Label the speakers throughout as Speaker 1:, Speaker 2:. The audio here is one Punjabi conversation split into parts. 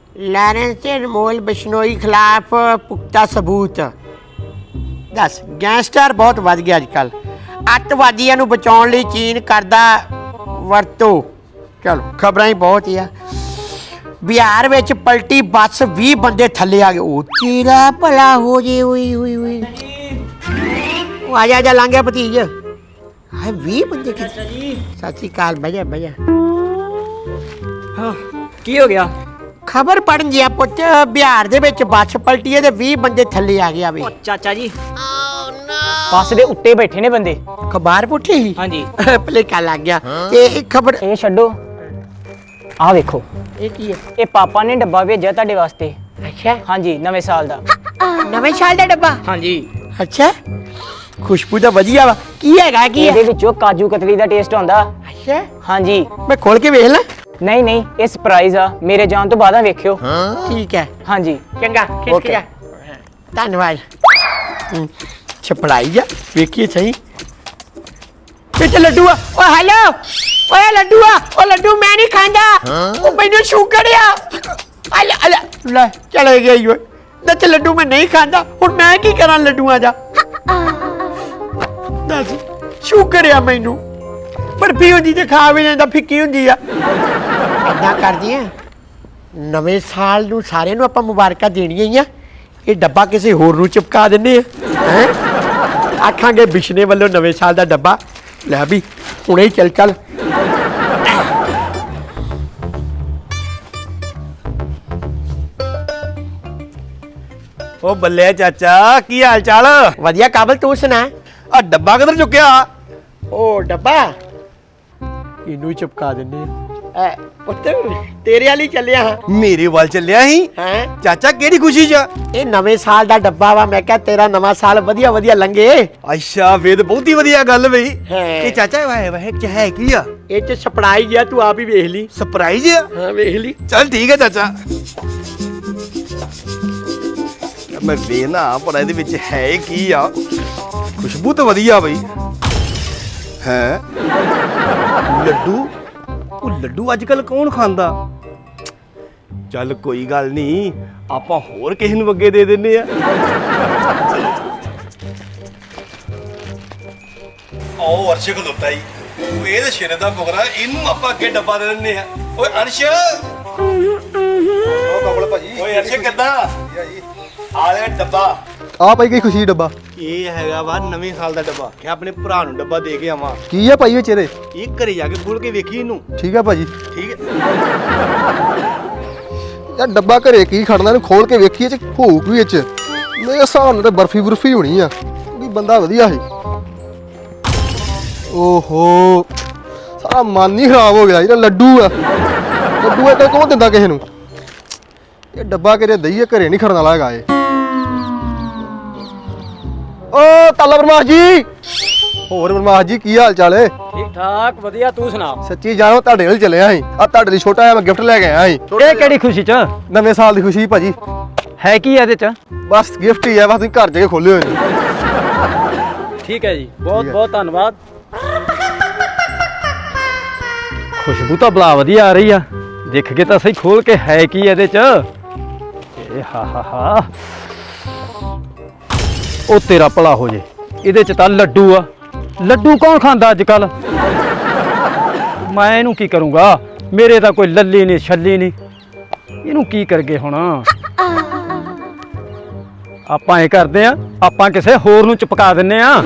Speaker 1: ਲਾਰੈਂਸ ਤੇ ਅਨਮੋਲ ਬਿਸ਼ਨੋਈ ਖਿਲਾਫ ਪੁਖਤਾ ਸਬੂਤ। ਦੱਸ, ਗੈਂਗਸਟਰ ਬਹੁਤ ਵੱਧ ਗਿਆ ਅੱਜ ਕੱਲ੍ਹ। ਅੱਤਵਾਦੀਆਂ ਨੂੰ ਬਚਾਉਣ ਲਈ ਚੀਨ ਕਰਦਾ ਵਰਤੋਂ। ਚਲੋ ਖਬਰਾਂ ਹੀ ਬਹੁਤ ਹੀ ਆ। ਬਿਹਾਰ ਵਿੱਚ ਪਲਟੀ ਬੱਸ 20 ਬੰਦੇ ਥੱਲੇ ਆ ਗਏ। ਉਹ ਤੇਰਾ ਭਲਾ ਹੋ ਜੇ। ਹੋਈ ਹੋਈ ਹੋਈ ਉਹ ਆ ਜਾ ਲੰਘ ਗਿਆ ਭਤੀਜ। ਹਾਏ 20 ਬੰਦੇ
Speaker 2: ਚਾਚਾ ਜੀ
Speaker 1: ਸਤਿ ਸ਼੍ਰੀ ਅਕਾਲ। ਬਹਿ ਜਾ।
Speaker 2: ਹਾਂ ਕੀ ਹੋ ਗਿਆ?
Speaker 1: ਖਬਰ ਪੜਨ ਗਿਆ ਪੁੱਤ, ਬਿਹਾਰ ਦੇ ਵਿੱਚ ਬੱਸ ਪਲਟੀ ਹੈ ਤੇ 20 ਬੰਦੇ ਥੱਲੇ ਆ ਗਿਆ ਵੀ।
Speaker 2: ਉਹ ਚਾਚਾ ਜੀ ਬੱਸ ਦੇ ਉੱਤੇ ਬੈਠੇ ਨੇ ਬੰਦੇ।
Speaker 1: ਖਬਰ ਪੁੱਠੀ ਸੀ?
Speaker 2: ਹਾਂਜੀ
Speaker 1: ਭੁਲੇਖਾ ਲੱਗ ਗਿਆ। ਤੇ ਇਹ ਖਬਰ
Speaker 2: ਇਹ ਛੱਡੋ, ਆਹ ਵੇਖੋ
Speaker 1: ਇਹ ਕੀ ਹੈ?
Speaker 2: ਇਹ ਪਾਪਾ ਨੇ ਡੱਬਾ ਭੇਜਿਆ ਤੁਹਾਡੇ ਵਾਸਤੇ।
Speaker 1: ਅੱਛਾ,
Speaker 2: ਹਾਂਜੀ ਨਵੇਂ ਸਾਲ ਦਾ।
Speaker 1: ਨਵੇਂ ਸਾਲ ਦਾ ਡੱਬਾ?
Speaker 2: ਹਾਂਜੀ
Speaker 1: ਅੱਛਾ, ਖੁਸ਼ਬੂ ਤਾਂ ਵਧੀਆ ਵਾ। ਕੀ ਹੈਗਾ ਕੀ ਹੈ?
Speaker 2: ਇਹਦੇ ਵਿੱਚੋਂ ਕਾਜੂ ਕਤਲੀ ਦਾ ਟੇਸਟ ਆਉਂਦਾ।
Speaker 1: ਅੱਛਾ,
Speaker 2: ਹਾਂਜੀ
Speaker 1: ਮੈਂ ਖੋਲ ਕੇ ਵੇਖ ਲਾਂ?
Speaker 2: ਨਹੀਂ ਇਹ ਸਰਪ੍ਰਾਈਜ਼ ਆ, ਮੇਰੇ ਜਾਣ ਤੋਂ ਬਾਅਦ ਆ ਵੇਖਿਓ।
Speaker 1: ਠੀਕ ਹੈ,
Speaker 2: ਹਾਂਜੀ
Speaker 1: ਚੰਗਾ ਖਿਸਕ ਜਾ। ਧੰਨਵਾਦ। ਛਪੜਾਈ ਜਾ, ਵੇਖੀਏ ਸਹੀ। ਵਿੱਚ ਲੱਡੂ ਆ। ਓ ਹੈਲੋ, ਓਏ ਲੱਡੂ ਆ। ਓ ਲੱਡੂ ਮੈਂ ਨਹੀਂ ਖਾਂਦਾ, ਉਹ ਮੈਨੂੰ ਸ਼ੂਗਰ ਆ। ਲੈ ਚਲੇ ਗਈ ਓਏ। ਦੱਸ ਲੱਡੂ ਮੈਂ ਨਹੀਂ ਖਾਂਦਾ, ਹੁਣ ਮੈਂ ਕੀ ਕਰਾਂ ਲੱਡੂਆਂ ਦਾ? ਦੱਸ ਸ਼ੂਗਰ ਆ ਮੈਨੂੰ। ਬਰਫੀ ਹੁੰਦੀ ਤੇ ਖਾ ਵੀ ਲੈਂਦਾ, ਫਿੱਕੀ ਹੁੰਦੀ ਆ। ਏਦਾਂ ਕਰਦੀ ਆ, ਨਵੇਂ ਸਾਲ ਨੂੰ ਸਾਰਿਆਂ ਨੂੰ ਆਪਾਂ ਮੁਬਾਰਕਾਂ ਦੇਣੀਆਂ ਹੀ ਆ। ਇਹ ਡੱਬਾ ਕਿਸੇ ਹੋਰ ਨੂੰ ਚਿਪਕਾ ਦਿੰਦੇ ਆ। ਹੈਂ, ਆਖਾਂਗੇ ਬਿਸ਼ਨੇ ਵੱਲੋਂ ਨਵੇਂ ਸਾਲ ਦਾ ਡੱਬਾ। ਲੈ ਵੀ ਹੁਣੇ ਹੀ ਚੱਲ।
Speaker 3: ਉਹ ਬੱਲੇ ਚਾਚਾ, ਕੀ ਹਾਲ ਚਾਲ?
Speaker 1: ਵਧੀਆ ਕਾਬਲ, ਤੂੰ ਸੁਣਾ?
Speaker 3: ਆ ਡੱਬਾ ਕਿੱਧਰ ਚੁੱਕਿਆ?
Speaker 1: ਉਹ ਡੱਬਾ ਇਹਨੂੰ ਹੀ ਚਿਪਕਾ ਦਿੰਦੇ ਆ। ਪੁੱਤ ਤੇਰੇ ਵਾਲੀ ਚੱਲਿਆ ਹਾਂ।
Speaker 3: ਮੇਰੇ ਵੱਲ ਚੱਲਿਆ ਸੀ?
Speaker 1: ਹੈਂ,
Speaker 3: ਚਾਚਾ ਕਿਹੜੀ ਖੁਸ਼ੀ 'ਚ?
Speaker 1: ਇਹ ਨਵੇਂ ਸਾਲ ਦਾ ਡੱਬਾ ਵਾ। ਮੈਂ ਕਿਹਾ ਤੇਰਾ ਨਵਾਂ ਸਾਲ ਵਧੀਆ ਲੰਘੇ।
Speaker 3: ਅੱਛਾ, ਵੇਦ ਬਹੁਤੀ ਵਧੀਆ ਗੱਲ ਬਈ।
Speaker 1: ਹੈ।
Speaker 3: ਇਹ ਚਾਚਾ ਵਾਹ ਚ ਹੈ ਕੀ ਆ?
Speaker 1: ਇਹ ਚ ਸਪੜਾਈ ਗਿਆ, ਤੂੰ ਆਪ ਹੀ ਵੇਖ ਲਈ।
Speaker 3: ਸਰਪ੍ਰਾਈਜ਼ ਆ?
Speaker 1: ਹਾਂ ਵੇਖ ਲਈ।
Speaker 3: ਚੱਲ ਠੀਕ ਹੈ ਚਾਚਾ, ਮੈਂ ਵੇਖਣਾ ਪਰ ਇਹਦੇ ਵਿੱਚ ਹੈ ਕੀ ਆ। ਖੁਸ਼ਬੂ ਤਾਂ ਵਧੀਆ ਬਈ। ਹੈ ਲੱਡੂ? ਉਹ ਲੱਡੂ ਅੱਜ ਕੱਲ ਕੌਣ ਖਾਂਦਾ? ਚੱਲ ਕੋਈ ਗੱਲ ਨਹੀਂ, ਆਪਾਂ ਹੋਰ ਕਿਸੇ ਨੂੰ ਅੱਗੇ ਦੇ ਦਿੰਨੇ ਆ। ਉਹ ਅਰਸ਼ ਖਲੋਤਾ ਹੀ, ਉਹ ਇਹਦੇ ਸ਼ੇਰੇ ਦਾ ਬੁਗਰਾ, ਇਹਨੂੰ ਆਪਾਂ ਅੱਗੇ ਡੱਬਾ ਦੇ ਦਿੰਨੇ ਆ। ਓਏ ਅਰਸ਼, ਉਹ ਕਮਲ ਭਾਜੀ। ਓਏ ਅਰਸ਼ ਕਿੱਦਾਂ? ਆ ਲੈ ਡੱਬਾ।
Speaker 4: ਆ ਭਾਈ ਕੀ ਖੁਸ਼ੀ ਡੱਬਾ?
Speaker 3: ਇਹ ਹੈਗਾ ਵਾ ਨਵੇਂ ਸਾਲ ਦਾ ਡੱਬਾ। ਕਿ ਆਪਣੇ ਭਰਾ ਨੂੰ ਡੱਬਾ ਦੇ ਕੇ ਆਵਾਂ।
Speaker 4: ਕੀ ਆ ਭਾਈ ਵਿੱਚ ਇਹਦੇ?
Speaker 3: ਇਹ ਘਰੇ ਜਾ ਕੇ ਖੋਲ ਕੇ ਵੇਖੀ ਇਹਨੂੰ।
Speaker 4: ਠੀਕ ਆ ਭਾਜੀ।
Speaker 3: ਠੀਕ ਹੈ।
Speaker 4: ਯਾਰ ਡੱਬਾ ਘਰੇ ਕੀ ਖੜਨਾ, ਇਹਨੂੰ ਖੋਲ ਕੇ ਵੇਖੀਏ ਚ ਭੂਕ ਵੀ ਵਿੱਚ। ਮੇਰੇ ਹਿਸਾਬ ਨਾਲ ਤਾਂ ਬਰਫੀ ਹੋਣੀ ਆ, ਵੀ ਬੰਦਾ ਵਧੀਆ ਸੀ। ਓਹੋ, ਸਾਰਾ ਮਨ ਹੀ ਖਰਾਬ ਹੋ ਗਿਆ। ਜਿਹੜਾ ਲੱਡੂ ਆ ਇਹ ਕੌਣ ਦਿੰਦਾ ਕਿਸੇ ਨੂੰ? ਇਹ ਡੱਬਾ ਕਿਤੇ ਦਈਏ, ਘਰੇ ਨਹੀਂ ਖੜਨ ਵਾਲਾ ਹੈਗਾ ਇਹ। ਓ ਤਾਲਾ ਬਰਮਾਸ ਜੀ, ਹੋਰ ਬਰਮਾਸ ਜੀ ਕੀ ਹਾਲ ਚਾਲ ਏ?
Speaker 2: ਠੀਕ ਠਾਕ ਵਧੀਆ, ਤੂੰ ਸੁਣਾ?
Speaker 4: ਸੱਚੀ ਜਾਣੋ ਤੁਹਾਡੇ ਨਾਲ ਚੱਲਿਆ ਸੀ। ਆ ਤੁਹਾਡੇ ਲਈ ਛੋਟਾ ਜਿਹਾ ਮੈਂ ਗਿਫਟ ਲੈ ਕੇ ਆਇਆ ਸੀ।
Speaker 2: ਇਹ ਕਿਹੜੀ ਖੁਸ਼ੀ ਚ?
Speaker 4: ਨਵੇਂ ਸਾਲ ਦੀ ਖੁਸ਼ੀ ਭਾਜੀ।
Speaker 2: ਹੈ ਕੀ ਇਹਦੇ ਚ?
Speaker 4: ਬਸ ਗਿਫਟ ਹੀ ਹੈ, ਬਸ ਤੁਸੀਂ ਘਰ ਜਾ ਕੇ ਖੋਲੇ ਹੋਏ ਨੇ।
Speaker 2: ਠੀਕ ਹੈ ਜੀ, ਬਹੁਤ ਧੰਨਵਾਦ। ਖੁਸ਼ਬੂ ਤਾਂ ਬਲਾ ਵਧੀਆ ਆ ਰਹੀ ਆ। ਦੇਖ ਕੇ ਤਾਂ ਸਹੀ ਖੋਲ ਕੇ ਹੈ ਕੀ ਇਹਦੇ ਚ। ਇਹ ਹਾ ਉਹ ਤੇਰਾ ਭਲਾ ਹੋ ਜੇ, ਇਹਦੇ ਚ ਤਾਂ ਲੱਡੂ ਆ। ਲੱਡੂ ਕੌਣ ਖਾਂਦਾ ਅੱਜ ਕੱਲ? ਮੈਂ ਇਹਨੂੰ ਕੀ ਕਰੂੰਗਾ? ਮੇਰੇ ਤਾਂ ਕੋਈ ਲੱਲੀ ਨਹੀਂ ਛੱਲੀ ਨਹੀਂ, ਇਹਨੂੰ ਕੀ ਕਰਗੇ ਹੁਣ? ਆਪਾਂ ਇਹ ਕਰਦੇ ਆ, ਆਪਾਂ ਕਿਸੇ ਹੋਰ ਨੂੰ ਚਪਕਾ ਦਿੰਨੇ ਆ।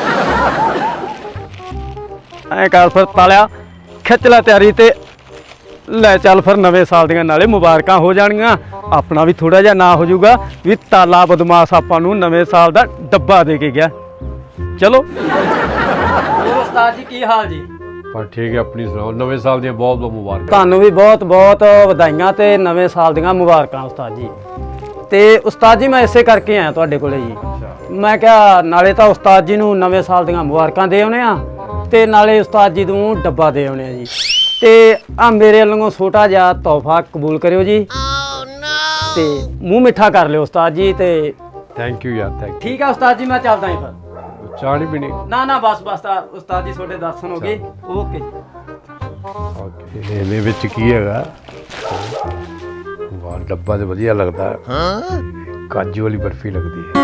Speaker 2: ਐ ਕਰ ਫਿਰ ਤਾਲਿਆ, ਖਿੱਚ ਲੈ ਤਿਆਰੀ ਤੇ ਲੈ ਚੱਲ ਫਿਰ ਨਵੇਂ ਸਾਲ ਦੀਆਂ ਨਾਲੇ ਮੁਬਾਰਕਾਂ ਹੋ ਜਾਣਗੀਆਂ। ਆਪਣਾ ਵੀ ਥੋੜਾ ਜਿਹਾ ਨਾ ਹੋ ਜਾਊਗਾ ਵੀ ਤਾਲਾ ਬਦਮਾਸ਼ ਆਪਾਂ ਨੂੰ ਨਵੇਂ ਸਾਲ ਦਾ ਡੱਬਾ ਦੇ ਕੇ ਗਿਆ। ਚਲੋ। ਹੋਰ ਉਸਤਾਦ ਜੀ ਕੀ ਹਾਲ ਜੀ?
Speaker 5: ਪਰ ਠੀਕ ਹੈ, ਆਪਣੀ ਸੁਣਾਓ। ਨਵੇਂ ਸਾਲ ਦੀਆਂ ਬਹੁਤ ਬਹੁਤ ਮੁਬਾਰਕਾਂ।
Speaker 2: ਤੁਹਾਨੂੰ ਵੀ ਬਹੁਤ ਵਧਾਈਆਂ ਤੇ ਨਵੇਂ ਸਾਲ ਦੀਆਂ ਮੁਬਾਰਕਾਂ ਉਸਤਾਦ ਜੀ। ਤੇ ਉਸਤਾਦ ਜੀ ਮੈਂ ਇਸੇ ਕਰਕੇ ਆਇਆ ਤੁਹਾਡੇ ਕੋਲੇ ਜੀ। ਮੈਂ ਕਿਹਾ ਨਾਲੇ ਤਾਂ ਉਸਤਾਦ ਜੀ ਨੂੰ ਨਵੇਂ ਸਾਲ ਦੀਆਂ ਮੁਬਾਰਕਾਂ ਦੇ ਆਉਣੇ ਆ ਤੇ ਨਾਲੇ ਉਸਤਾਦ ਜੀ ਨੂੰ ਡੱਬਾ ਦੇ ਆਉਣੇ ਆ ਜੀ। ਤੇ ਆ ਮੇਰੇ ਵੱਲੋਂ ਛੋਟਾ ਜਿਹਾ ਤੋਹਫਾ ਕਬੂਲ ਕਰਿਓ ਜੀ। ਤੇ ਮੂੰਹ ਮਿੱਠਾ ਕਰ ਲਿਓ ਉਸਤਾਦ ਜੀ। ਤੇ
Speaker 5: ਥੈਂਕ ਯੂ ਯਾਰ, ਥੈਂਕ
Speaker 2: ਠੀਕ ਆ ਉਸਤਾਦ ਜੀ, ਮੈਂ ਚੱਲਦਾ ਹਾਂ ਫਿਰ।
Speaker 5: ਯੂ। ਚਾਹ ਨਹੀਂ ਪੀਣੀ?
Speaker 2: ਨਾ ਬਸ ਉਸਤਾਦ ਜੀ ਤੁਹਾਡੇ ਦਰਸ਼ਨ ਹੋ ਗਏ। ਓਕੇ।
Speaker 5: ਓਕੇ, ਇਹਦੇ ਵਿੱਚ ਕੀ ਹੈਗਾ? ਵਾਹ ਡੱਬਾ ਤੇ ਵਧੀਆ ਲੱਗਦਾ ਕਾਜੂ ਵਾਲੀ ਬਰਫੀ ਲੱਗਦੀ ਹੈ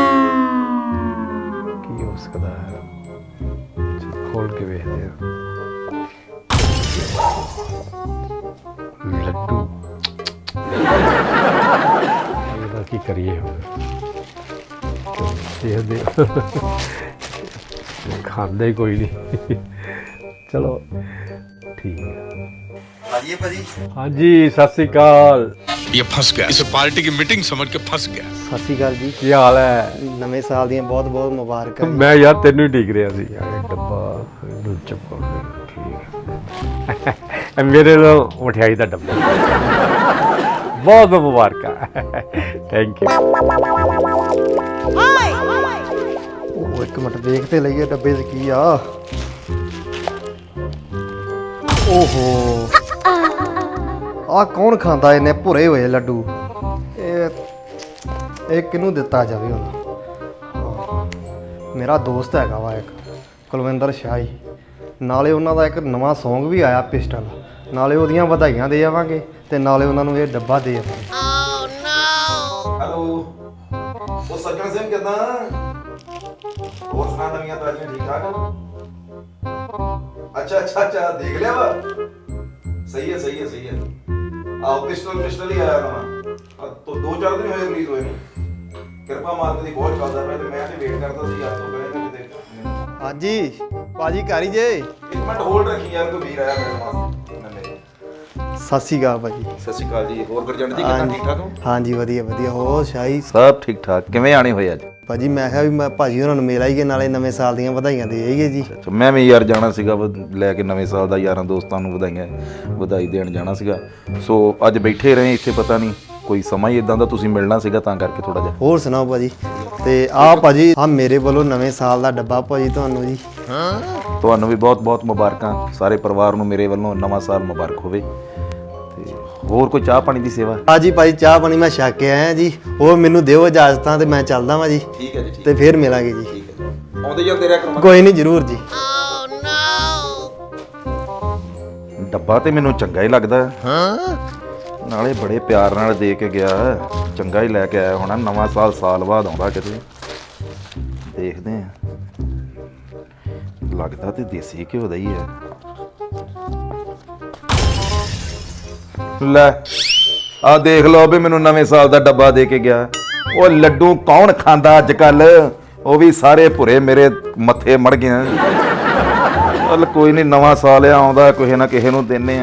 Speaker 5: ਕੀ ਹੋ ਸਕਦਾ ਹੈ ਚਲੋ ਖੋਲ ਕੇ ਵੇਖਦੇ ਹਾਂ ਲੱਡੂ ਇਹਦਾ ਕੀ ਕਰੀਏ ਹੁਣ ਦੇਖਦੇ ਖਾਂਦੇ ਹੀ ਕੋਈ ਨਹੀਂ ਚਲੋ ਠੀਕ ਹੈ ਹਾਂਜੀ ਸਤਿ ਸ੍ਰੀ ਅਕਾਲ
Speaker 6: ये फंस गया इसे पार्टी की मीटिंग समझ के फंस गया
Speaker 4: ਸਤਿ ਸ਼੍ਰੀ ਅਕਾਲ ਜੀ
Speaker 5: ਕੀ ਹਾਲ ਹੈ
Speaker 4: ਨਵੇਂ ਸਾਲ ਦੀਆਂ ਬਹੁਤ ਬਹੁਤ ਮੁਬਾਰਕਾਂ
Speaker 5: ਮੈਂ ਯਾਰ ਤੈਨੂੰ ਹੀ ਢੀਕ ਰਿਹਾ ਸੀ ਯਾਰ ਡੱਬਾ ਇਹਨੂੰ ਚੱਕੋ ਠੀਕ ਹੈ ਮੇਰੇ ਤੋਂ ਮਠਿਆਈ ਦਾ ਡੱਬਾ ਬਹੁਤ ਬਹੁਤ ਮੁਬਾਰਕਾਂ ਥੈਂਕ ਯੂ
Speaker 4: ਉਹ ਇੱਕ ਮਿੰਟ ਦੇਖ ਤੇ ਲਈਏ ਡੱਬੇ 'ਚ ਕੀ ਆ ਓਹੋ ਆ ਕੌਣ ਖਾਂਦਾ ਇਹਨੇ ਭੁਰੇ ਹੋਏ ਲੱਡੂ ਇਹ ਕਿਹਨੂੰ ਦਿੱਤਾ ਜਾਵੇ ਹੁਣ ਮੇਰਾ ਦੋਸਤ ਹੈਗਾ ਵਾ ਇੱਕ ਕੁਲਵਿੰਦਰ ਸ਼ਾਹੀ ਨਾਲੇ ਉਹਨਾਂ ਦਾ ਇੱਕ ਨਵਾਂ Song ਵੀ ਆਇਆ ਪਿਸਟਲ ਨਾਲੇ ਉਹਦੀਆਂ ਵਧਾਈਆਂ ਦੇ ਜਾਵਾਂਗੇ ਤੇ ਨਾਲੇ ਉਹਨਾਂ ਨੂੰ ਇਹ ਡੱਬਾ ਦੇ ਜਾਵਾਂਗੇ
Speaker 7: हेलो वो सज्जन सिंह कितना और सुना नवियां ताजियां ठीक ठाक हो अच्छा देख लिया वा सही है आओ पिस्टल ही आया ना तो 2-4 दिन होए रिलीज होए ने कृपा मार्ग दी बहुत चलदा मैं ते वेट करदा सी यार तो कहे किते
Speaker 4: ਹਾਂਜੀ ਭਾਜੀ ਘਰ ਹੀ ਜੇ
Speaker 7: एक मिनट होल्ड रखी यार कोई वीर आया मेरे पास
Speaker 4: ਸਤਿ ਸ਼੍ਰੀ ਅਕਾਲ ਭਾਜੀ
Speaker 7: सत श्री अकाल जी और गुरजंट जी कितना ठीक ठाक हो
Speaker 4: ਹਾਂਜੀ ਵਧੀਆ ਹੋਰ ਸ਼ਾਹੀ
Speaker 7: सब ठीक ठाक किवें आने होए अज
Speaker 4: ਭਾਜੀ ਮੈਂ ਕਿਹਾ ਵੀ ਮੈਂ ਭਾਜੀ ਉਹਨਾਂ ਨੂੰ ਮਿਲ ਆਈਏ ਨਾਲੇ ਨਵੇਂ ਸਾਲ ਦੀਆਂ ਵਧਾਈਆਂ ਦੇ ਆਈਏ ਜੀ
Speaker 7: ਮੈਂ ਵੀ ਯਾਰ ਜਾਣਾ ਸੀਗਾ ਲੈ ਕੇ ਨਵੇਂ ਸਾਲ ਦਾ ਯਾਰਾਂ ਦੋਸਤਾਂ ਨੂੰ ਵਧਾਈ ਦੇਣ ਜਾਣਾ ਸੀਗਾ ਸੋ ਅੱਜ ਬੈਠੇ ਰਹੇ ਇੱਥੇ ਪਤਾ ਨਹੀਂ ਕੋਈ ਸਮਾਂ ਹੀ ਇਦਾਂ ਦਾ ਤੁਸੀਂ ਮਿਲਣਾ ਸੀਗਾ ਤਾਂ ਕਰਕੇ ਥੋੜਾ ਜਿਹਾ
Speaker 4: ਹੋਰ ਸੁਣਾਓ ਭਾਜੀ ਤੇ ਆਹ ਭਾਜੀ ਆ ਮੇਰੇ ਵੱਲੋਂ ਨਵੇਂ ਸਾਲ ਦਾ ਡੱਬਾ ਭਾਜੀ ਤੁਹਾਨੂੰ ਜੀ
Speaker 7: ਤੁਹਾਨੂੰ ਵੀ ਬਹੁਤ ਬਹੁਤ ਮੁਬਾਰਕਾਂ ਸਾਰੇ ਪਰਿਵਾਰ ਨੂੰ ਮੇਰੇ ਵੱਲੋਂ ਨਵਾਂ ਸਾਲ ਮੁਬਾਰਕ ਹੋਵੇ ਤੇ ਹੋਰ ਕੋਈ ਚਾਹ ਪਾਣੀ ਦੀ ਸੇਵਾ
Speaker 4: ਹਾਂਜੀ ਭਾਜੀ ਚਾਹ ਪਾਣੀ ਮੈਂ ਛਕ ਕੇ ਆਇਆ ਜੀ ਹੋਰ ਮੈਨੂੰ ਦਿਓ ਇਜਾਜ਼ਤਾਂ ਤੇ ਮੈਂ ਚੱਲਦਾ ਵਾਂ ਜੀ
Speaker 7: ਠੀਕ ਹੈ ਜੀ
Speaker 4: ਤੇ ਫੇਰ ਮਿਲਾਂਗੇ ਜੀ
Speaker 7: ਠੀਕ ਹੈ ਆਉਂਦੇ ਜਾਂਦੇ ਰਿਹਾ ਕਰੋ
Speaker 4: ਕੋਈ ਨਹੀਂ ਜ਼ਰੂਰ ਜੀ
Speaker 7: ਡੱਬਾ ਤੇ ਮੈਨੂੰ ਚੰਗਾ ਹੀ ਲੱਗਦਾ ਨਾਲੇ ਬੜੇ ਪਿਆਰ ਨਾਲ ਦੇ ਕੇ ਗਿਆ ਚੰਗਾ ਹੀ ਲੈ ਕੇ ਆਇਆ ਹੋਣਾ ਨਵਾਂ ਸਾਲ ਬਾਅਦ ਆਉਂਦਾ ਕਿਤੇ ਦੇਖਦੇ ਆ ਲੱਗਦਾ ਤੇ ਦੇਸੀ ਘਿਓ ਦਾ ਹੀ ਹੈ ਲੈ ਆ ਦੇਖ ਲਓ ਵੀ ਮੈਨੂੰ ਨਵੇਂ ਸਾਲ ਦਾ ਡੱਬਾ ਦੇ ਕੇ ਗਿਆ ਉਹ ਲੱਡੂ ਕੌਣ ਖਾਂਦਾ ਅੱਜ ਕੱਲ ਉਹ ਵੀ ਸਾਰੇ ਭੁਰੇ ਮੇਰੇ ਮੱਥੇ ਮੜ ਗਏ ਚੱਲ ਕੋਈ ਨਹੀਂ ਨਵਾਂ ਸਾਲ ਆਉਂਦਾ ਕਿਸੇ ਨਾ ਕਿਸੇ ਨੂੰ ਦਿੰਨੇ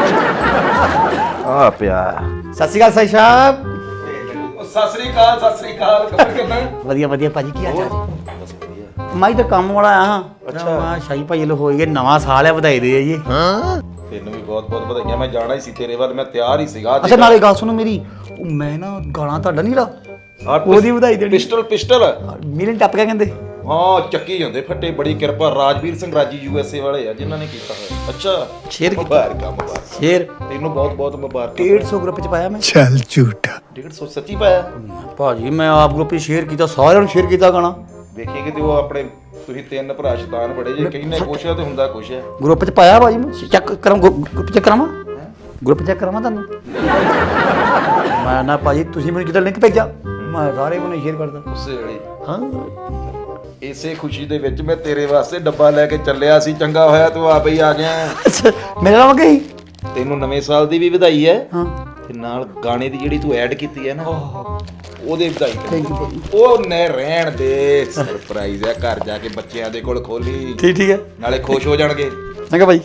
Speaker 7: ਆ ਪਿਆ
Speaker 4: ਸਤਿ ਸ਼੍ਰੀ ਅਕਾਲ ਸਾਈ ਸਾਹਿਬ
Speaker 3: ਸਤਿ ਸ੍ਰੀ ਅਕਾਲ ਖਬਰ ਕਿੱਦਾਂ
Speaker 8: ਵਧੀਆ ਭਾਜੀ ਕੀ ਹਾਲ ਚਾਲ ਮੈਂ ਤਾਂ ਕੰਮ ਵਾਲਾ ਆ ਅੱਛਾ ਸ਼ਾਹੀ ਭਾਈ ਲੋ ਹੋਈ ਗਏ ਨਵਾਂ ਸਾਲ ਹੈ ਵਧਾਈ ਦੇ ਜੀ
Speaker 7: ਤੈਨੂੰ ਵੀ ਬਹੁਤ ਬਹੁਤ ਵਧਾਈਆਂ ਮੈਂ ਜਾਣਾ ਹੀ ਸੀ ਤੇਰੇ ਵੱਲ ਮੈਂ ਤਿਆਰ ਹੀ ਸੀਗਾ
Speaker 8: ਅੱਛਾ ਨਾਲੇ ਗੱਲ ਸੁਣੋ ਮੇਰੀ ਉਹ ਮੈਂ ਨਾ ਗਾਣਾ ਤੁਹਾਡਾ ਨਹੀਂ ਲਾ ਉਹਦੀ ਵਧਾਈ ਦੇਣੀ
Speaker 7: ਪਿਸਟਲ
Speaker 8: ਮਿਲਨ ਟੱਪ ਗਿਆ ਕਹਿੰਦੇ
Speaker 7: ਹਾਂ ਚੱਕੀ ਜਾਂਦੇ ਫੱਟੇ ਬੜੀ ਕਿਰਪਾ ਰਾਜਵੀਰ ਸਿੰਘ ਰਾਜੀ USA ਵਾਲੇ ਆ ਜਿਨ੍ਹਾਂ ਨੇ ਕੀਤਾ ਹੋਇਆ ਅੱਛਾ
Speaker 8: ਸ਼ੇਅਰ ਕੀਤਾ
Speaker 7: ਮੁਬਾਰਕ
Speaker 8: ਸ਼ੇਅਰ
Speaker 7: ਤੈਨੂੰ ਬਹੁਤ ਬਹੁਤ ਮੁਬਾਰਕ
Speaker 8: 150 ਗਰੁੱਪ ਚ ਪਾਇਆ ਮੈਂ
Speaker 7: 150 ਸੱਚੀ ਪਾਇਆ
Speaker 8: ਭਾਜੀ ਮੈਂ ਆਪ ਗਰੁੱਪ ਚ ਸ਼ੇਅਰ ਕੀਤਾ ਸਾਰਿਆਂ ਨੂੰ ਸ਼ੇਅਰ ਕੀਤਾ ਗਾਣਾ
Speaker 7: ਵੇਖੀ ਕਿਤੇ ਉਹ ਆਪਣੇ ਤੁਸੀਂ ਤਿੰਨ ਭਰਾ ਸ਼ੈਤਾਨ ਬੜੇ ਜੇ ਕਹਿੰਦੇ ਕੁਛ ਆ ਤੇ ਹੁੰਦਾ ਕੁਛ ਆ
Speaker 8: ਗਰੁੱਪ ਚ ਪਾਇਆ ਭਾਜੀ ਮੈਂ ਚੈੱਕ ਕਰਾਂ ਗਰੁੱਪ ਚੈੱਕ ਕਰਾਵਾਂ ਗਰੁੱਪ ਚੈੱਕ ਕਰਾਵਾਂ ਤੁਹਾਨੂੰ ਮੈਂ ਨਾ ਭਾਜੀ ਤੁਸੀਂ ਮੈਨੂੰ ਕਿਤੇ ਲਿੰਕ ਭੇਜਿਆ ਮੈਂ ਸਾਰੇ ਨੂੰ ਸ਼ੇਅਰ ਕਰਦਾ
Speaker 7: ਉਸੇ ਵੇਲੇ
Speaker 8: ਹਾਂ
Speaker 7: ਇਸੇ ਖੁਸ਼ੀ ਦੇ ਵਿੱਚ ਮੈਂ ਤੇਰੇ ਵਾਸਤੇ ਡੱਬਾ ਲੈ ਕੇ ਚੱਲਿਆ ਸੀ ਚੰਗਾ ਹੋਇਆ ਤੂੰ ਆਪੇ ਹੀ ਆ ਗਿਆ
Speaker 8: ਅੱਛਾ ਮੇਰੇ ਨਾਲ ਗਈ
Speaker 7: ਤੈਨੂੰ ਨਵੇਂ ਸਾਲ ਦੀ ਵੀ ਵਧਾਈ ਹੈ
Speaker 8: ਹਾਂ
Speaker 7: ਤੇ ਨਾਲ ਗਾਣੇ ਦੀ ਜਿਹੜੀ ਤੂੰ ਐਡ ਕੀਤੀ ਹੈ ਨਾ ਉਹਦੇ ਵਧਾਈ
Speaker 8: ਥੈਂਕ ਯੂ ਭਾਜੀ
Speaker 7: ਉਹ ਨੇ ਰਹਿਣ ਦੇ ਸਰਪ੍ਰਾਈਜ਼ ਹੈ ਘਰ ਜਾ ਕੇ ਬੱਚਿਆਂ ਦੇ ਕੋਲ ਖੋਲੀ
Speaker 8: ਠੀਕ ਹੈ
Speaker 7: ਨਾਲੇ ਖੁਸ਼ ਹੋ ਜਾਣਗੇ
Speaker 8: ਚੰਗਾ ਭਾਈ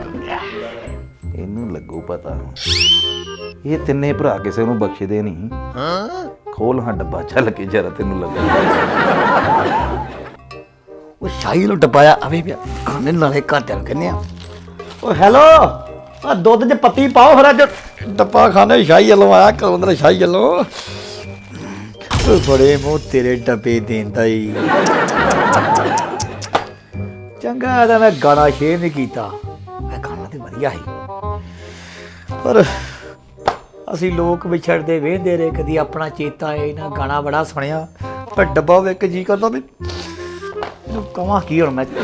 Speaker 7: ਇਹਨੂੰ ਲੱਗੂ ਪਤਾ ਇਹ ਤਿੰਨੇ ਭਰਾ ਕਿਸੇ ਨੂੰ ਬਖਸ਼ਦੇ ਨਹੀਂ ਖੋਲ ਹਾਂ ਡੱਬਾ ਚੱਲ ਕੇ ਜਰਾ ਤੈਨੂੰ ਲੱਗਾ
Speaker 8: ਉਹ ਸ਼ਾਹੀ ਨੂੰ ਡੱਬਾਇਆ ਆਵੇ ਪਿਆ ਖਾਣੇ ਨਾਲੇ ਘਰ ਚੱਲ ਕਹਿੰਦੇ ਆ ਉਹ ਹੈਲੋ ਆ ਦੁੱਧ 'ਚ ਪੱਤੀ ਪਾਓ ਫਿਰ ਅੱਜ ਡੱਬਾ ਖਾਣੇ ਸ਼ਾਹੀ ਵੱਲੋਂ ਆਇਆ ਕਲਵੰਦਰ ਸ਼ਾਹੀ ਵੱਲੋਂ ਉਹ ਬੜੇ ਮੂੰਹ ਤੇਰੇ ਡੱਬੇ ਦੇਂਦਾ ਈ ਚੰਗਾ ਤਾਂ ਮੈਂ ਗਾਣਾ ਸ਼ੇਅਰ ਨਹੀਂ ਕੀਤਾ ਮੈਂ ਗਾਣਾ ਤੇ ਵਧੀਆ ਸੀ ਪਰ ਅਸੀਂ ਲੋਕ ਵਿਛੜਦੇ ਵੇਂਦੇ ਰਹੇ ਕਦੀ ਆਪਣਾ ਚੇਤਾ ਆਏ ਨਾ ਗਾਣਾ ਬੜਾ ਸੁਣਿਆ ਪਰ ਡੱਬਾ ਵੇਖ ਕੇ ਜੀ ਕਰਦਾ ਵੀ ਇਹਨੂੰ ਕਵਾਂ ਕੀ ਹੁਣ ਮੈਂ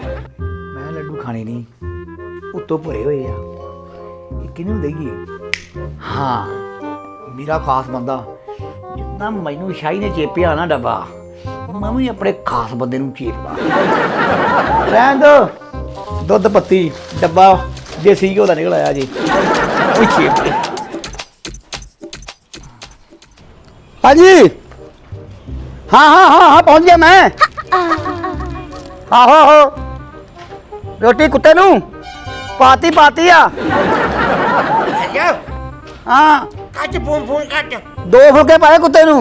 Speaker 8: ਲੱਡੂ ਖਾਣੇ ਨਹੀਂ ਉੱਤੋਂ ਭਰੇ ਹੋਏ ਆ ਇਹ ਕਿਹਨੂੰ ਦੇਈਏ ਹਾਂ ਮੇਰਾ ਖਾਸ ਬੰਦਾ ਜਿੱਦਾਂ ਮੈਨੂੰ ਸ਼ਾਹੀ ਨੇ ਚੇਪਿਆ ਨਾ ਡੱਬਾ ਮੈਂ ਵੀ ਆਪਣੇ ਖਾਸ ਬੰਦੇ ਨੂੰ ਚੇਪਦਾ ਰਹਿਣ ਦੋ ਦੁੱਧ ਪੱਤੀ ਡੱਬਾ ਦੇਸੀ ਘਿਓ ਦਾ ਨਿਕਲ ਆਇਆ ਜੀ ਉਹ ਚੇਪ ਹਾਂਜੀ हाँ पहुंच गया मैं आहो रोटी कुत्ते नू पाती आ हाँ
Speaker 1: ਕੱਟ ਫੋਨ ਕੱਟ
Speaker 8: 2 फुलके पाए कुत्ते नू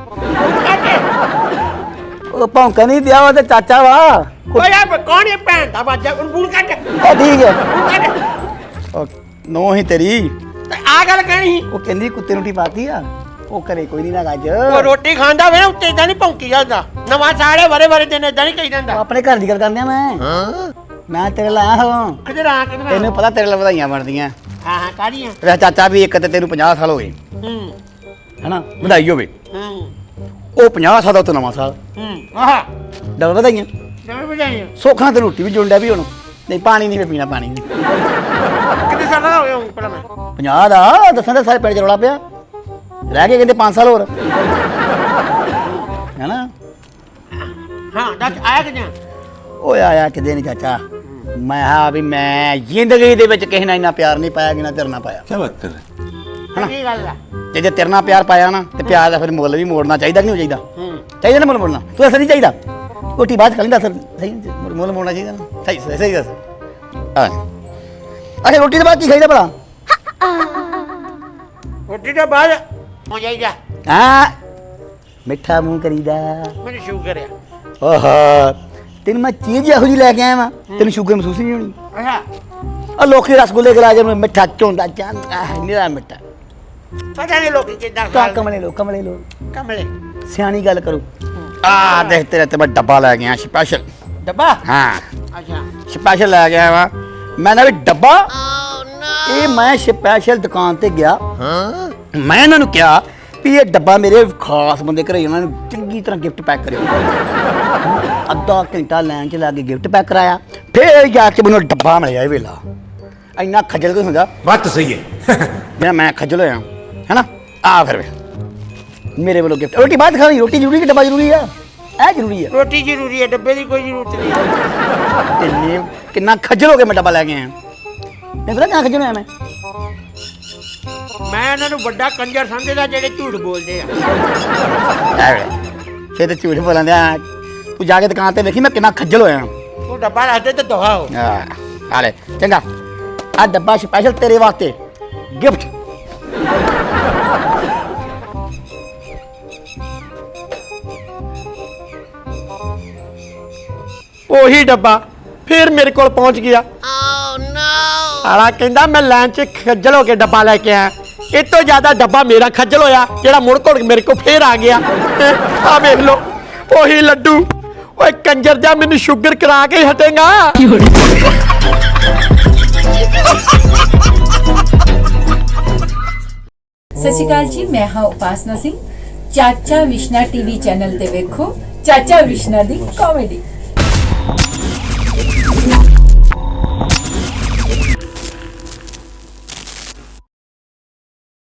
Speaker 8: ओ भौंका नहीं दिया वो ते चाचा वा
Speaker 1: ਓਏ ਯਾਰ ਕੌਣ ਇਹ ਭੈਣ ਦਾ ਬਾਜਾ ਉਹਨੂੰ ਫੋਨ ਕੱਟ
Speaker 8: ओ ठीक है
Speaker 1: ਕੱਟ
Speaker 8: ओ नो ही तेरी
Speaker 1: ਤੇ ਆ ਗੱਲ ਕਹਿਣੀ ਸੀ
Speaker 8: ਉਹ ਕਹਿੰਦੀ ਕੁੱਤੇ ਨੂੰ ਟੀ ਪਾਤੀ ਆ ਉਹ ਕਰੇ ਕੋਈ ਨਹੀਂ ਨਾ ਗੱਜ
Speaker 1: ਉਹ ਰੋਟੀ ਖਾਂਦਾ ਵੇ ਉੱਤੇ ਇਦਾਂ ਨਹੀਂ ਭੌਂਕੀ ਜਾਂਦਾ ਨਵਾਂ ਸਾੜੇ ਵਰੇ ਦਿਨ ਇਦਾਂ ਨਹੀਂ ਕਹੀ ਜਾਂਦਾ
Speaker 8: ਆਪਣੇ ਘਰ ਦੀ ਗੱਲ ਕਰਨੇ ਆ ਮੈਂ ਤੇਰੇ ਲਾਇਆ ਹਾਂ
Speaker 1: ਕਿਧਰ ਆ ਕਿਧਰ
Speaker 8: ਤੈਨੂੰ ਪਤਾ ਤੇਰੇ ਲਈ ਵਧਾਈਆਂ ਬਣਦੀਆਂ
Speaker 1: ਹਾਂ ਕਾੜੀਆਂ
Speaker 8: ਵੇ ਚਾਚਾ ਵੀ ਇੱਕ ਤੇ ਤੈਨੂੰ 50 ਸਾਲ ਹੋ ਗਏ ਹੈਨਾ ਵਧਾਈ ਹੋਵੇ ਉਹ 50 ਸਾਲ ਦਾ ਤੋਂ ਨਵਾਂ ਸਾਲ
Speaker 1: ਆਹ
Speaker 8: ਡਬਲ ਵਧਾਈਆਂ
Speaker 1: ਜਮੇ ਵਜਾਈਆਂ
Speaker 8: ਸੋਖਾਂ ਤੇ ਰੋਟੀ ਵੀ ਜੁੰਡਿਆ ਵੀ ਹੁਣ ਨਹੀਂ ਪਾਣੀ ਨਹੀਂ ਪੀਣਾ ਪਾਣੀ ਨਹੀਂ
Speaker 1: ਕਿੰਨੇ ਸਾਲ ਦਾ ਹੋ ਗਿਆ ਹੁਣ ਪਹਿਲਾਂ ਮੈਂ
Speaker 8: 50 ਦਾ ਦੱਸਾਂ ਤਾਂ ਸਾਰੇ ਪਿੰਡ ਚ ਰੌਲਾ ਪਿਆ ਰਹਿ ਗਏ ਕਹਿੰਦੇ 5 ਸਾਲ ਹੋਰ ਹੈਨਾ
Speaker 1: ਹਾਂ ਦੱਸ ਆਇਆ ਕਿੰਨਾ
Speaker 8: ਓਏ ਆਇਆ ਕਿਤੇ ਨਹੀਂ ਚਾਚਾ ਮੈਂ ਹਾਂ ਵੀ ਮੈਂ ਜ਼ਿੰਦਗੀ ਦੇ ਵਿੱਚ ਕਿਸੇ ਨਾਲ ਇੰਨਾ ਪਿਆਰ ਨਹੀਂ ਪਾਇਆ ਜਿੰਨਾ ਤੇਰੇ ਨਾਲ ਪਾਇਆ
Speaker 1: ਕੀ ਗੱਲ ਆ
Speaker 8: ਤੇ ਜੇ ਤੇਰੇ ਨਾਲ ਪਿਆਰ ਪਾਇਆ ਨਾ ਤੇ ਪਿਆਰ ਦਾ ਫਿਰ ਮੁੱਲ ਵੀ ਮੋੜਨਾ ਚਾਹੀਦਾ ਕਿ ਨਹੀਂ ਚਾਹੀਦਾ ਚਾਹੀਦਾ ਨਾ ਮੁੱਲ ਮੋੜਨਾ ਤੂੰ ਅਸਰ ਨਹੀਂ ਚਾਹੀਦਾ ਰੋਟੀ ਬਾਅਦ ਕਰ ਲੈਂਦਾ ਸਰ ਸਹੀ ਮੁੱਲ ਮੋੜਨਾ ਚਾਹੀਦਾ ਨਾ ਸਹੀ ਦੱਸ ਅੱਛਾ ਰੋਟੀ ਦੇ ਬਾਅਦ ਕੀ ਖਾਈਦਾ ਭਲਾ
Speaker 1: ਰੋਟੀ ਦੇ ਬਾਅਦ ਹੋ ਜਾਈਦਾ
Speaker 8: ਹਾਂ ਮਿੱਠਾ ਮੂੰਹ ਕਰੀਦਾ
Speaker 1: ਮੈਨੂੰ ਸ਼ੂਗਰ ਆ
Speaker 8: ਓਹੋ ਤੈਨੂੰ ਮੈਂ ਚੀਜ਼ ਇਹੋ ਜਿਹੀ ਲੈ ਕੇ ਆਇਆ ਵਾਂ ਤੈਨੂੰ ਸ਼ੂਗਰ ਮਹਿਸੂਸ ਨਹੀਂ ਹੋਣੀ
Speaker 1: ਅੱਛਾ
Speaker 8: ਆ ਲੋਕੀ ਰਸਗੁੱਲੇ ਖਲਾ ਕੇ ਮਿੱਠਾ ਚੋਂਦਾ ਜਾਂਦਾ ਨਿਰਾ ਮਿੱਠਾ
Speaker 1: ਪਤਾ ਨਹੀਂ ਲੋਕੀ ਕਿੱਦਾਂ
Speaker 8: ਤਾਂ
Speaker 1: ਖਾ
Speaker 8: ਕਮਲੇ ਲੋ
Speaker 1: ਕਮਲੇ
Speaker 8: ਸਿਆਣੀ ਗੱਲ ਕਰੋ ਆ ਦੇਖ ਤੇਰੇ ਤੇ ਮੈਂ ਡੱਬਾ ਲੈ ਗਿਆ ਸਪੈਸ਼ਲ
Speaker 1: ਡੱਬਾ
Speaker 8: ਹਾਂ
Speaker 1: ਅੱਛਾ
Speaker 8: ਸਪੈਸ਼ਲ ਲੈ ਗਿਆ ਵਾ ਮੈਂ ਨਾ ਵੀ ਡੱਬਾ ਇਹ ਮੈਂ ਸਪੈਸ਼ਲ ਦੁਕਾਨ ਤੇ ਗਿਆ ਮੈਂ ਇਹਨਾਂ ਨੂੰ ਕਿਹਾ ਵੀ ਇਹ ਡੱਬਾ ਮੇਰੇ ਖਾਸ ਬੰਦੇ ਘਰੇ ਉਹਨਾਂ ਨੂੰ ਚੰਗੀ ਤਰ੍ਹਾਂ ਗਿਫਟ ਪੈਕ ਕਰਿਓ ਅੱਧਾ ਘੰਟਾ ਲਾਈਨ 'ਚ ਲਾ ਕੇ ਗਿਫਟ ਪੈਕ ਕਰਾਇਆ ਫੇਰ ਜਾ ਕੇ ਮੈਨੂੰ ਡੱਬਾ ਮਿਲਿਆ ਇਹ ਵੇਲਾ ਇੰਨਾ ਖੱਜਲ ਕੋਈ ਹੁੰਦਾ
Speaker 6: बात तो सही है
Speaker 8: ਜਿਹੜਾ ਮੈਂ ਖੱਜਲ ਹੋਇਆ ਹੈਨਾ ਆ ਫਿਰ ਮੇਰੇ ਵੱਲੋਂ ਗਿਫਟ ਰੋਟੀ ਬਾਅਦ ਖਾਣੀ ਰੋਟੀ ਜ਼ਰੂਰੀ ਕਿ ਡੱਬਾ ਜ਼ਰੂਰੀ ਆ ਇਹ ਜ਼ਰੂਰੀ ਆ
Speaker 1: ਰੋਟੀ ਜ਼ਰੂਰੀ ਹੈ ਡੱਬੇ ਦੀ ਕੋਈ ਜ਼ਰੂਰਤ ਨਹੀਂ
Speaker 8: ਇੰਨੇ ਕਿੰਨਾ ਖੱਜਲ ਹੋ ਕੇ ਮੈਂ ਡੱਬਾ ਲੈ ਕੇ ਆਇਆ ਨਹੀਂ ਪਤਾ ਕਿੰਨਾ ਖੱਜਲ ਹੋਇਆ
Speaker 1: ਮੈਂ ਇਹਨਾਂ ਨੂੰ ਵੱਡਾ ਕੰਜਰ ਸਮਝਦਾ ਜਿਹੜੇ ਝੂਠ ਬੋਲਦੇ ਆ
Speaker 8: ਫੇਰ ਤੇ ਝੂਠ ਬੋਲਣ ਦਿਆ ਤੂੰ ਜਾ ਕੇ ਦੁਕਾਨ ਤੇ ਵੇਖੀ ਮੈਂ ਕਿੰਨਾ ਖੱਜਲ ਹੋਇਆ
Speaker 1: ਤੂੰ ਡੱਬਾ ਰੱਖ ਦੇ ਤੇ ਦਵਾ ਹੋ
Speaker 8: ਆ ਲੈ ਚੰਗਾ ਆ ਡੱਬਾ ਸਪੈਸ਼ਲ ਤੇਰੇ ਵਾਸਤੇ ਗਿਫਟ
Speaker 1: ਉਹੀ ਡੱਬਾ ਫੇਰ ਮੇਰੇ ਕੋਲ ਪਹੁੰਚ ਗਿਆ ਓ ਨੋ ਆਲਾ ਕਹਿੰਦਾ ਮੈਂ ਲਾਈਨ 'ਚ ਖੱਜਲ ਹੋ ਕੇ ਡੱਬਾ ਲੈ ਕੇ ਆਇਆ ਇਹ ਤੋਂ ਜ਼ਿਆਦਾ ਡੱਬਾ ਮੇਰਾ ਖੱਜਲ ਹੋਇਆ ਜਿਹੜਾ ਮੁੜ ਘੁੜ ਮੇਰੇ ਕੋਲ ਫੇਰ ਆ ਗਿਆ ਆ ਵੇਖ ਲੋ ਉਹੀ ਲੱਡੂ ਓਏ ਕੰਜਰ ਜਾ ਮੈਨੂੰ ਸ਼ੂਗਰ ਕਰਾ ਕੇ ਹਟੇਗਾ
Speaker 9: ਸਤਿ ਸ਼੍ਰੀ ਅਕਾਲ ਜੀ ਮੈਂ ਹਾਂ ਉਪਾਸਨਾ ਸਿੰਘ ਚਾਚਾ ਵਿਸ਼ਨਾ ਟੀਵੀ ਚੈਨਲ ਤੇ ਵੇਖੋ ਚਾਚਾ ਵਿਸ਼ਨਾ ਦੀ ਕਾਮੇਡੀ